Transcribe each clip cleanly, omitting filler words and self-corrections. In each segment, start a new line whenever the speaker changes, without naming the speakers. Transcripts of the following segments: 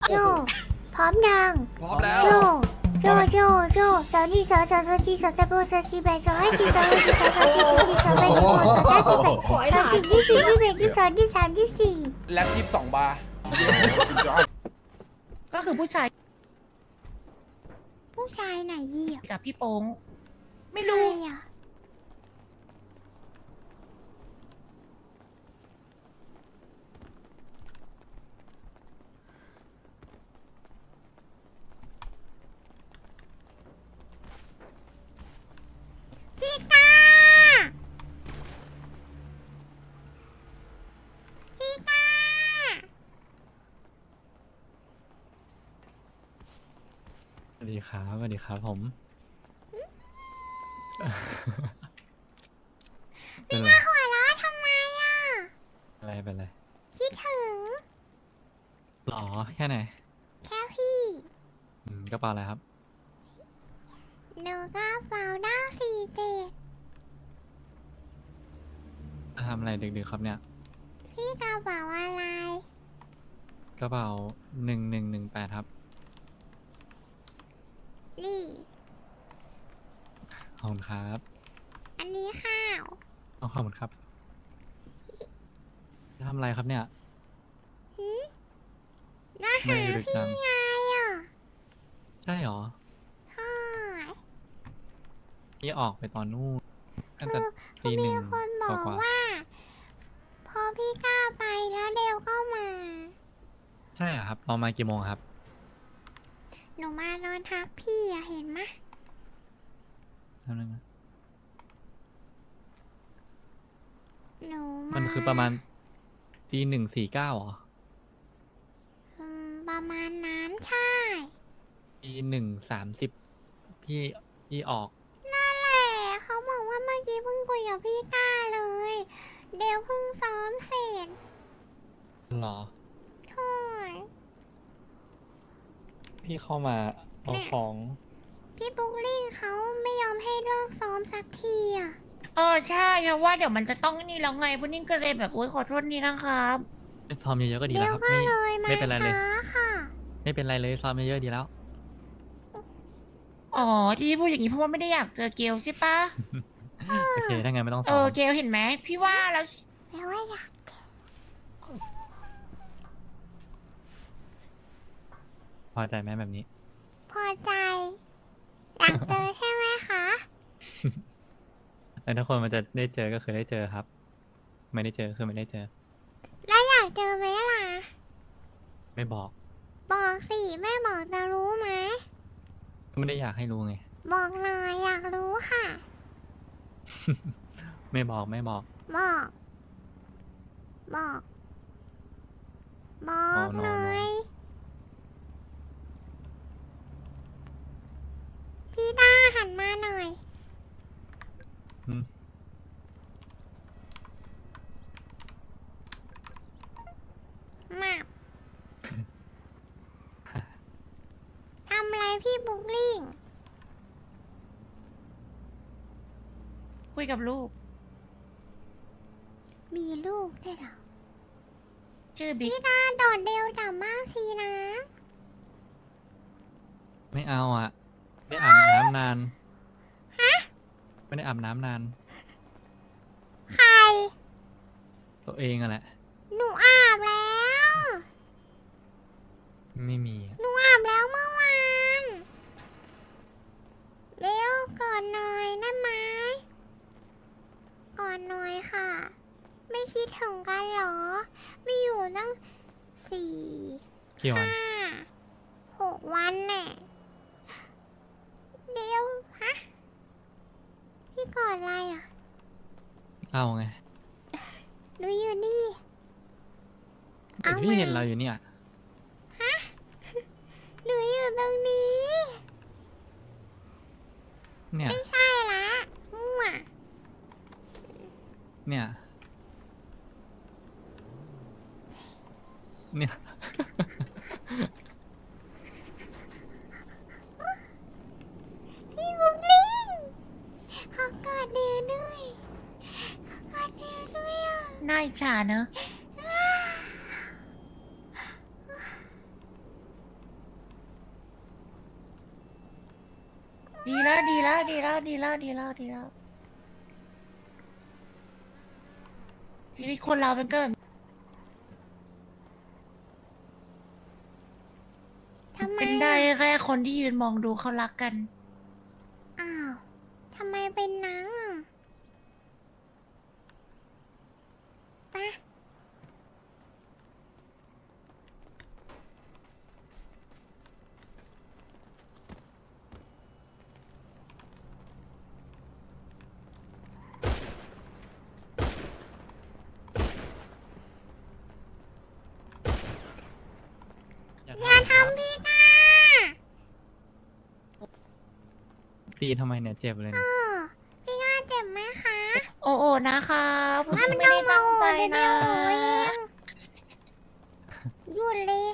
โจพร้อมยัง
พร้อมแล้ว
โจสาวนี่สาวจีสาวตะโบสาวจีแบสาวให้จีสาวให้จีสาวจีสาวจีสาวแบสาวสาวจีแบสาวจีที่สี่ที่แบที่สองที่สามที่สี่
แล็บ22 บาร์
ก็คือผู้ชาย
ผู้ชายไหนยี่อ่ะ
กับพี่โป้งไม่
ใคร
รู้
อ่ะพี่ตาพี่ตา
สวัสดีครับสวัสดีครับผม เป็นไร
หัวเราะทำไมอ่ะ
เป็นไร
คิดถึง
หรอแค่ไหน
แค่พี่
กระเป๋าอะไรครับ
หนูก็เป่าด้า47
มาทำอะไรดึกๆครับเนี่ย
พี่กระเป๋าอะไร
กระเป๋า1118ครับ
นี่
ขอบคุณครับ
อันนี้ข้าว
ขอบคุณครับทำอะไรครับเนี่ย
น่า
ไม่
หา
ดึก
พี่
จัง
ไงอ่ะ
ใช่หรอ
ใช่
พี่ออกไปตอนนู่นตั้ง
คื
แต่
อ
ตีห
มี
นึ่ง
คนบอก
กว่า
ว่า พอพี่ก้าวไปแล้วเดวก็มา
ๆใช่เหรอครับเรามากี่โมงครับ
หนูมานอนทักพี่อะเห็นไหม
ทำนึงนะ
หนู
มันคือประมาณตี1:49หรอ
ประมาณนั้นใช่
ตี1:30พี่ออก
นั่นแหละเขาบอกว่าเมื่อกี้เพิ่งคุยกับพี่ก้าเลย เดวเพิ่งซ้อมเสร็จ
หรอ
ใช่
พี่เข้ามาเอาของ
พี่บุ๊กลิงเขาไม่ยอมให้เลิกซ้อมสักทีอ่ะ
ใช่เพราะว่าเดี๋ยวมันจะต้องนี่แล้วไงพุดดิ้งก็เลยแบบโอ๊ยขอโทษนี่นะครับ
ซ้อมเยอะๆก็ดี
เดี๋
แล้
ยว ว
ครับ
ก็
ไม่
เลยมา
ไม่เป็นไรเลย
ช้าค่ะ
ไม่เป็นไรเลยซ้อมเยอะๆดีแล้ว
อ๋อที่พูดอย่างนี้เพราะว่าไม่ได้อยากเจอเกลใช่ปะ
โอเคถ้างั้นไม่ต้องซ้อม
เกลเห็นไหมพี่ว่าแล้ว
แปลว่าอยาก
พอใจไหมแบบนี้
พอใจ อยากเจอใช่ไหมคะ
แล้วถ้าคนมันจะได้เจอก็คือได้เจอครับ ไม่ได้เจอคือไม่ได้เจอ
แล้วอยากเจอไหมล่ะ
ไม่บอก
บอกสิแม่บอกจะรู้ไหม
ก็ไม่ได้อยากให้รู้ไง
บอกหน่อยอยากรู้ค่ะ
ไม่บอก
บอก บอก บอกหน่อย พี่ด้าหันมาหน่อย
อืม
มา ทำอะไรพี่บุ๊กลิง
คุยกับลูก
มีลูกได้วยเหรอ
ชื่อบิ๊ก
พี่ด้าโดดเดวดับมากสินะ
ไม่เอาอ่ะ ไม่อาบน้ำนาน ไม่ได้อาบน้ำนาน
ใคร
ตัวเองอะแหละ
หนูอาบแล้ว
ไม่มีอะ
หนูอาบแล้วเมื่อวานเร็วก่อนหน่อยได้ไหมก่อนหน่อยค่ะ ไม่คิดถึงกันเหรอ ไม่อยู่ตั้ง4
กี่วัน
5 6 วันแน่เดี๋ยวฮะ พี่กอดอะไรอ่ะ
เราไง
หนูอยู่นี่
แต่พี่เห็นเราอยู่เนี่ย
หนูอยู่ตรงนี้
เนี่ย
ไม่ใช่ละมั่ว
เนี่ย เนี่ย
พี่บุ๊กลิงขอกอดเดือด้วยขอกอดเดือด้วยอ่ะ
น่าอิจฉาเนอะดีแล้วดีแล้วดีแล้วดีแล้วดีแล้วดีแล้วชีวิตคนเรามันก็แบบ
ทำไม
เป็นได้
อ่ะ
แค่คนที่ยืนมองดูเขารักกัน
อ้าวทำไมเป็นนังอ่ะไปะ อย่า
ครับ
ทำพี่ก้า
ตีทำไมเนี่ยเจ็บเลย
เอ
เนี่ย
อพี่ก้าเจ็บไหมคะ
โอ้โอ้นะคะผม
ไม่
ไม่
ต้อง
ได้
มา
ตั้ง
โอ
ใจ
ดเดี๋ยว
นะ
หนูเองหยุดเลย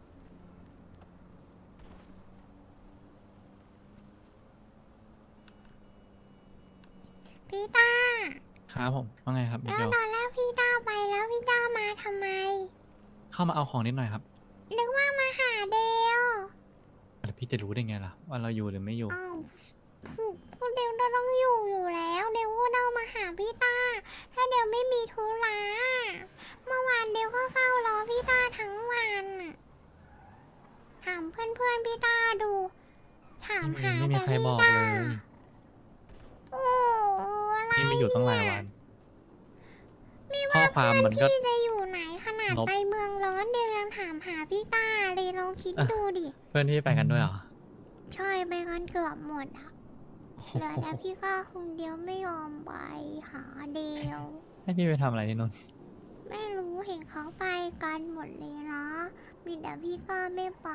พี่ต้า
ครับผมว่าไงครับมิ
แล้ว
เกล
ตอนแรกพี่ต้าไปแล้วพี่ต้ามาทำไม
เข้ามาเอาของนิดหน่อยครับ
นึกว่ามาหาเดล
แล้วพี่จะรู้ได้ไงล่ะว่าเราอยู่หรือไม่อยู่
อ้าวพูดเดลต้องอยู่แล้วเดลก็ต้องมาหาพี่ต้า ถ้าเดลไม่มีธุระเมื่อวานเดลก็เฝ้ารอพี่ต้าทั้งวันน่ะถามเพื่อนๆพี่ต้าดู ถามหา
ไม่มี
แต่
ใคร
พี่
บอก
ต้า
เลย
โอ้อะไร
นี่ไม่อยู่ตั้งหลายวัน
ไม่
ข้อ
ว่า
ความ
เพื่อน
มันก็
พี่จะอยู่ไหนขนาด
ลบ
ไปเมืองร้อนเดลยังถามหาพี่ต้าเลยลองคิดดูดิ
เพื่อนที่ไปกันด้วยเหรอ
ใช่ไปกันเกือบหมดอะ
โอ้โห
เหลือแต่พี่ก้าคนเดียวไม่ยอมไปหาเดล
ให้พี่ไปทำอะไรที่นู่น
ไม่รู้เห็นเขาไปกันหมดเลยนะมีแต่พี่ก้าไม่ไป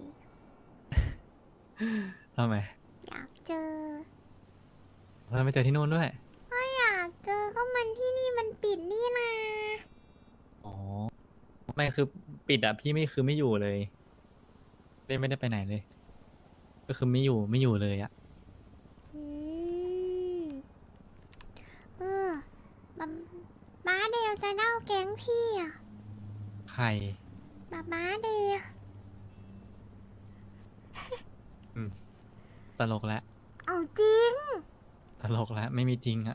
ทำไม
อยากเจอ
เราไปเจอที่นู่นด้วย
ก็อยากเจอก็มันที่นี่มันปิดนี่นะ
อ๋อ ไม่คือปิดอ่ะพี่ไม่คือไม่อยู่เลยไม่ได้ไปไหนเลย ก็คือไม่อยู่เลยอ่ะ
อืมเออบ๊าบ้าเดลจะเล่าแก๊งพี่อะ
ใคร
บ้าเดล
ตลกแล้ว
เอาจริง
ตลกแล้วไม่มีจริงอะ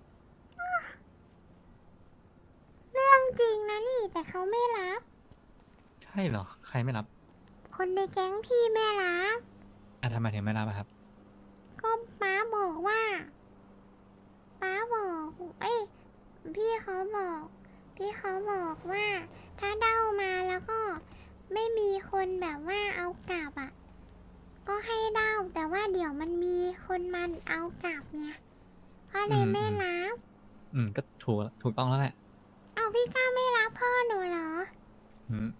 เรื่องจริงนะนี่แต่เขาไม่รับ
ใช่เหรอ ใครไม่รับ
คนในแก๊งพี่ไม่รับ
อ่ะทำไมถึงไม่รับอะครับ
ก็ป้าบอกว่าป้าบอก เอ้ยพี่เขาบอก พี่เขาบอกว่า ถ้าเด้ามาแล้วก็ไม่มีคนแบบว่าเอากลับอ่ะ ก็ให้เด้าแต่ว่าเดี๋ยวมันมีคนมันเอากลับเนี่ยก็เลยไม่รับ
ก็ถูกต้องแล้วแหละ
เอาพี่ก้าไม่รับพ่อหนูเหรอ
อืม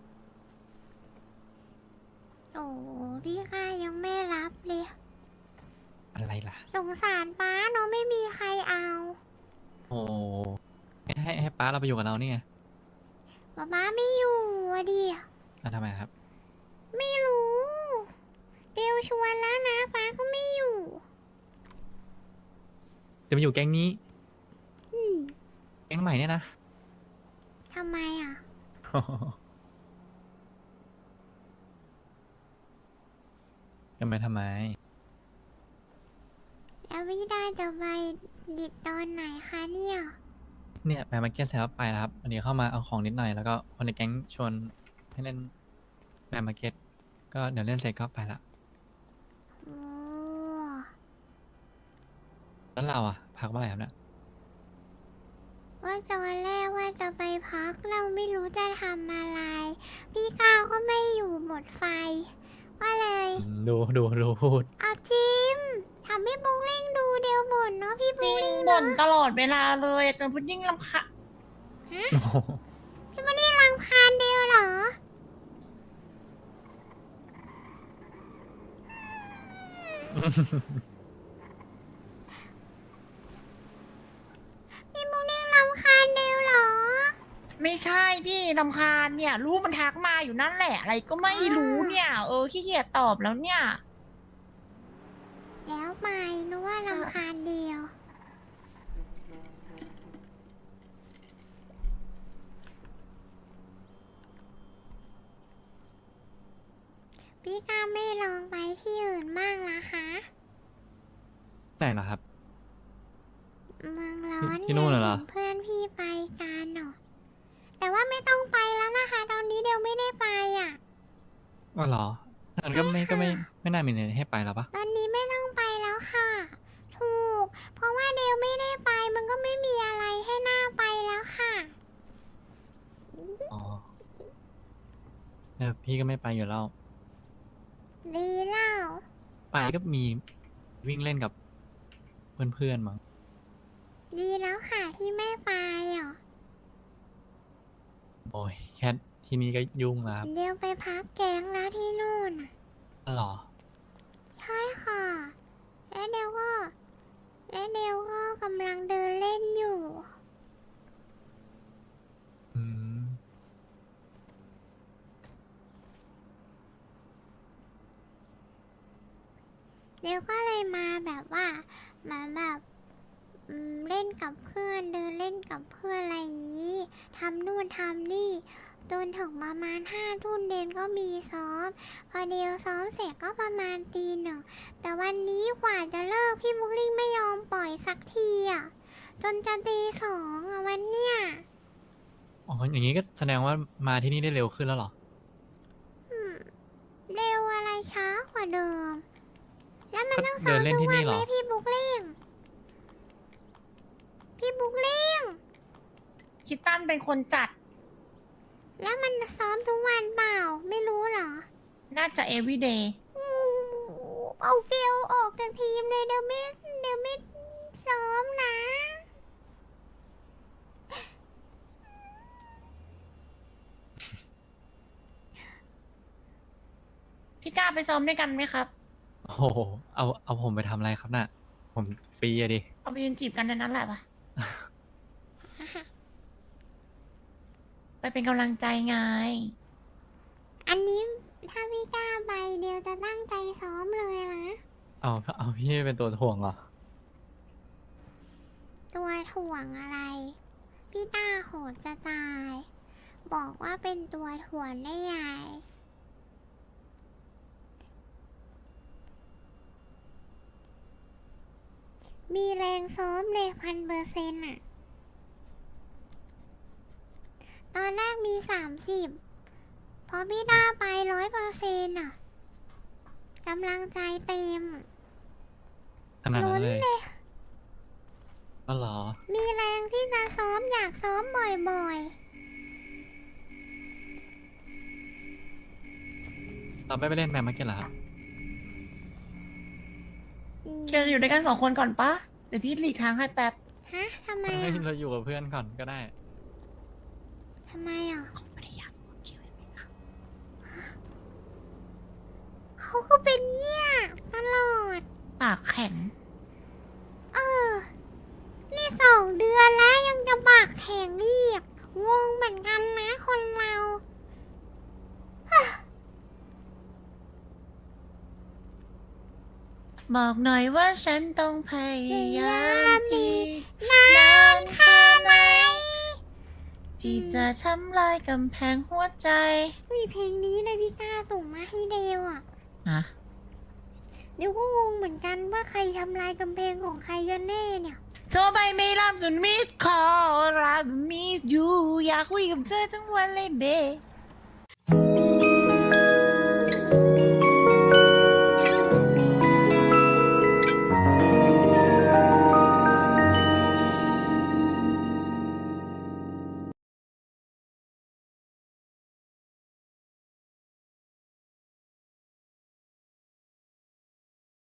โอ้พี่ก้ายังไม่รับเลย
อะไรล่ะ
สงสารป้าเนาะไม่มีใครเอา
โอ้ให้ป้าเราไปอยู่กับเรานี่ไง
ป้าไม่อยู่อะดิ
อ่ะทำไมครับ
ไม่รู้เดวชวนแล้วนะป้าก็ไม่อยู่
จะมาอยู่แก๊งนี้
อืม
แก๊งใหม่เนี่ยนะ
ทำไมอ่ะ
ทำไม
แล้วพี่ได้จะไปดิดตอนไหนคะเนี่ย
เนี่ยไปมาร์เก็ตเสร็จแล้วไปแล้วครับวันนี้เข้ามาเอาของนิดหน่อยแล้วก็คนในแก๊งชวนให้เล่นแมมาร์เก็ตก็เดี๋ยวเล่นเสร็จก็ไปละ
โอ้
แล้วเราอะพักเมื่อไหร่ครับเนี่ย
ว่าตอนแรกว่าจะไปพักเราไม่รู้จะทำอะไร พี่ก้าวก็ไม่อยู่หมดไฟ ก็เลย
ดูพูด
เอาจิมทำให้บุ้งเล่งดูเดียวบ่นเนาะพี่
จ
บุ้
ริ
ง
ง
เล่ง
บ่
เนาะ
นตลอดเวลาเลยจนพุดดิ้งรำคาญ
โอ้โห
พี่บุ้งเล่งรังพานเดียวเหรอ พี่บุ้งเล่งรำคาญเดียวเหรอ
ไม่ใช่พี่รำคาญเนี่ย รู้มันทักมาอยู่นั่นแหละ อะไรก็ไม่รู้เนี่ย ขี้เกียจตอบแล้วเนี่ย
แล้วไปนึกว่ารำคาญเดียว พี่ก้าไม่ลองไปที่อื่นบ้างล่ะคะ
ไหนล่ะครับ
เมืองร้อน
ที่นู่นเหรอ
ไงเพื่อนพี่ไปกันเหรอแต่ว่าไม่ต้องไปแล้วนะคะ ตอนนี้เดียวไม่ได้ไปอ่ะ
อ๋อเหรองั้นก็ไม่น่ามีอะไรให้ไปแล้วปะ
ตอนนี้ไม่ต้องไปแล้วค่ะ ถูก เพราะว่าเดวไม่ได้ไปมันก็ไม่มีอะไรให้หน้าไปแล้วค่ะ
อ๋อพี่ก็ไม่ไปอยู่แล้ว
ดีแล้ว
ไปก็มีวิ่งเล่นกับเพื่อนๆมั้ง
ดีแล้วค่ะที่ไม่ไปเหรอ
โอ้ยแค่ที่นี่ก็ยุ่งแล้วครับ
เดี๋ยวไปพักแก๊งแล้วที่นู่นน่ะ
อ๋อเหรอ
ใช่ค่ะ และเดวก็กำลังเดินเล่นอยู่
อืม
เดวก็เลยมาแบบว่ามาแบบเล่นกับเพื่อนเดินเล่นกับเพื่อนอะไรอย่างนี้ทำนู่นทำนี่จนถึงประมาณ5 ทุ่มเดนก็มีซ้อม พอเดวซ้อมเสร็จก็ประมาณตี 1แต่วันนี้กว่าจะเลิกพี่บุ๊กลิงไม่ยอมปล่อยสักทีอ่ะจนจะตี 2อ่ะวันเนี้ย
อ๋อ อย่างนี้ก็แสดงว่ามาที่นี่ได้เร็วขึ้นแล้วเหรอ
อืมเร็วอะไรช้ากว่าเดิม แล้วมัน
ก็
ต้องซ้อม
เดินเล่น
ทุก
ที่
วั
นี่
น
เหร
ไหม
อ
พี่บุ๊กลิงพี่บุ๊กลิง
คิตตันเป็นคนจัด
แล้วมันซ้อมทุกวันเปล่า ไม่รู้เหรอ
น่าจะ everyday
อืมเอาเกลออกจากทีมเลยเดี๋ยวไม่ซ้อมนะ
พี่กล้าไปซ้อมด้วยกันไหมครับ
โอ้โห เอาผมไปทำอะไรครับน่ะ ผมฟรีอะดิ
เอาไปยืนจีบกันในนั้นแหละปะ ไปเป็นกำลังใจไง
อันนี้ถ้าพี่กล้าไปเดี๋ยวจะตั้งใจซ้อมเลยนะ
เอาพี่เป็นตัวถ่วงเหรอ
ตัวถ่วงอะไร พี่ต้าโหดจะตาย บอกว่าเป็นตัวถ่วงได้ไงมีแรงซ้อมเลย1,000%อ่ะ ตอนแรกมี30พอพี่ต้าไป100%อ่ะกำลังใจเต็ม
ขนาดนั้นเลย
ล้นเลย
อ๋อเหรอ
มีแรงที่จะซ้อมอยากซ้อมบ่อย
เราไม่ไปเล่นแมมมาเก็ตเหรอครับ
ๆ
เคียวอยู่ด้วยกัน2 คนก่อนปะเดี๋ยวพี่หลีกทางให้แป๊บ
ฮะทำไม
ให้
อ่ะ
เราอยู่กับเพื่อนก่อนก็ได้
ทำไมอ่ะ
ไม่ได้อยากอยู่กับเคียวอย่างนี้นะ
เขาก็เป็นเนี่ยตลอด
ปากแข็ง
เออ นี่2 เดือนแล้วยังจะปากแข็งอีกงงเหมือนกันนะคนเรา
บอกหน่อยว่าฉันต้องพยายามอีก
นานแค่ไหน
ที่จะทำลายกำแพงหัวใจ
อุ้ยเพลงนี้เลยพี่ก้าส่งมาให้เดวอ่ะ
อะ
เดี๋ยวก็งงเหมือนกันว่าใครทำลายกำแพงของใครกันแน่เนี่ย
โทรไปไม่รับจนมิสคอลรักมิสยูอยากคุยกับเธอทั้งวันเลยเบ